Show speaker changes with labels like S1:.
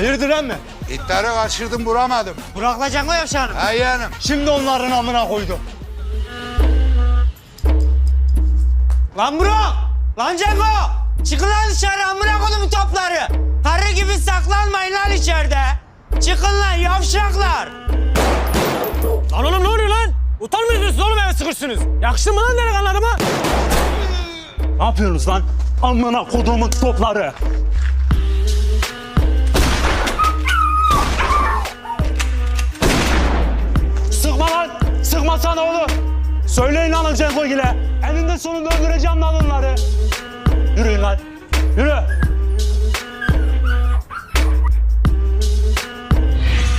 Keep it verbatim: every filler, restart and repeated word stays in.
S1: Hayırdır emmi?
S2: İtleri kaçırdım, vuramadım.
S3: Burak'la Cengo Yavşan'ım.
S2: Ha yeğenim.
S1: Şimdi onların amına koydum.
S3: Lan Burak! Lan Cengo! Çıkın lan dışarı amına koydum topları. Karı gibi saklanmayın lan içeride. Çıkın lan yavşaklar.
S4: Lan oğlum ne oluyor lan? Utanmıyorsunuz oğlum, eve sıkışsınız. Yakıştı mı lan delikanlılarıma?
S1: Ne yapıyorsunuz lan? Amına kodumun topları. Sıkma lan! Sıkmasana oğlum! Söyleyin alın Cenko ile. Eninde sonunda öldüreceğim lan onları. Yürüyün lan. Yürü.